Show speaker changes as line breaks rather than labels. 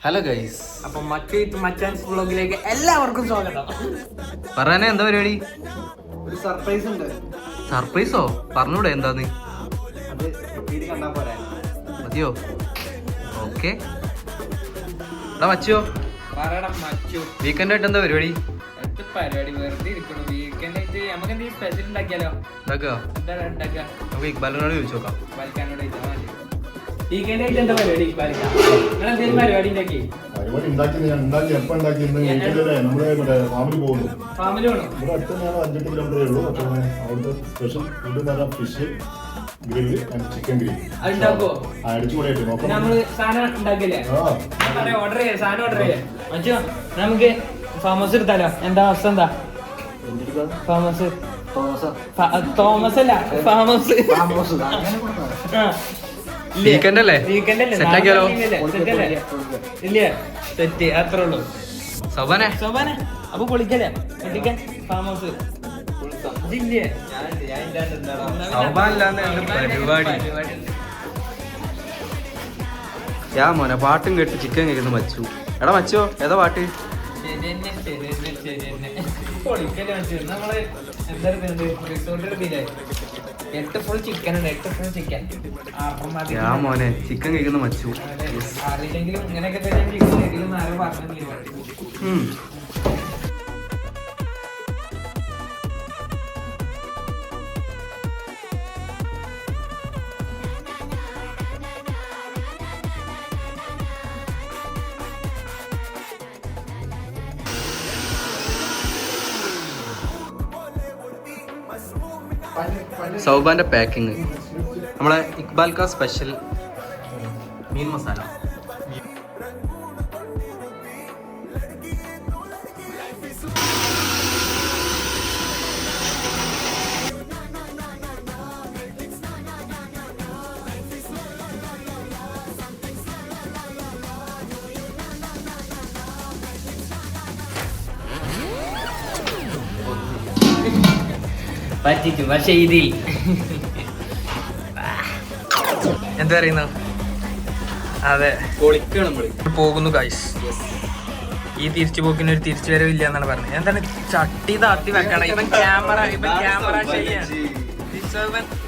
Hello guys,
അപ്പൊ മച്ചാൻസ് വ്ളോഗിലേക്ക് എല്ലാവർക്കും സ്വാഗതം.
പറയാനേ എന്താ പരിപാടി?
ഒരു സർപ്രൈസ് ഉണ്ട്.
സർപ്രൈസോ? പറഞ്ഞൂടെ എന്താന്ന്?
അത് കണ്ടാ പോരാ.
മതിയോ? ഓക്കെ. എടാ മച്ചോ, വീക്കെൻഡ് ആയിട്ട് എന്താ പരിപാടി?
പരിപാടി വെറുതെ ഇരിക്കണം. വീക്കെൻഡ് ആയിട്ട് നമുക്ക് എന്തെങ്കിലും സ്പെഷ്യൽ ഉണ്ടാക്കിയാലോ?
നമുക്ക് ഇക്ബാലിനോട് ചോദിച്ചു നോക്കാം.
വീക്കെൻഡ് ആയിട്ട് എന്താ പരിപാടി? എന്തെങ്കിലും പരിപാടി ഉണ്ടാക്കി ഫാമിലി വേണം.
ഇവിടെ അടുത്ത് തന്നെയാണ് 5-8 കിലോമീറ്ററേ ഉള്ളൂ. അവിടുത്തെ special food fish grill and chicken grill
അതുണ്ടാക്കോ?
അടിച്ചുകൂടിയായിട്ട് നോക്കാം.
നമ്മള് സാധനം ഉണ്ടാക്കില്ലേ? ഓർഡർ ചെയ്യാം, സാധനം ഓർഡർ ചെയ്യാം. മച്ചോ, നമുക്ക് ഫാം ഹൗസ് എടുത്താലോ? എന്താ അവസ്ഥ? എന്താ ഫാം ഹൗസ്? തോമസ് അല്ല, ഫാം ഹൗസ്.
വീക്കെൻഡ് അല്ലേ? സെറ്റ് ആക്കിയാലോ?
ഇല്ല, സെറ്റ് അത്രേ ഉള്ളൂ.
സോബാനെ
അപ്പൊ പൊളിക്കല്ലേ? പൊളിക്കാൻ ഫാം ഹൗസ്
യാ മോനെ, പാട്ടും കേട്ട് ചിക്കൻ കഴിക്കുന്നു മച്ചു. എടാ മച്ചോ, ഏതാ പാട്ട്?
നമ്മള് എന്താ ഫുൾ ചിക്കൻ ഉണ്ട്. 8 ഫുൾ ചിക്കൻ.
യാ മോനെ, ചിക്കൻ കഴിക്കുന്നു മച്ചു.
അറിയില്ലെങ്കിലും ഇങ്ങനെയൊക്കെ തന്നെ ചിക്കൻ കഴിക്കും. ആരും പറഞ്ഞു.
സൗബാന്റെ പാക്കിങ്, നമ്മളെ ഇക്ബാൽ കാ സ്പെഷ്യൽ മീൻ മസാല.
പറ്റിച്ചു, പക്ഷെ ഇതിൽ
എന്താ പറയുന്ന? അതെ, പോകുന്നു ഗൈസ്. ഈ തിരിച്ചു പോക്കിന് ഒരു തിരിച്ചു വരവില്ല എന്നാണ് പറഞ്ഞത്. എന്താണ് ചട്ടി താത്തി വെക്കണം? ഇവൻ ക്യാമറ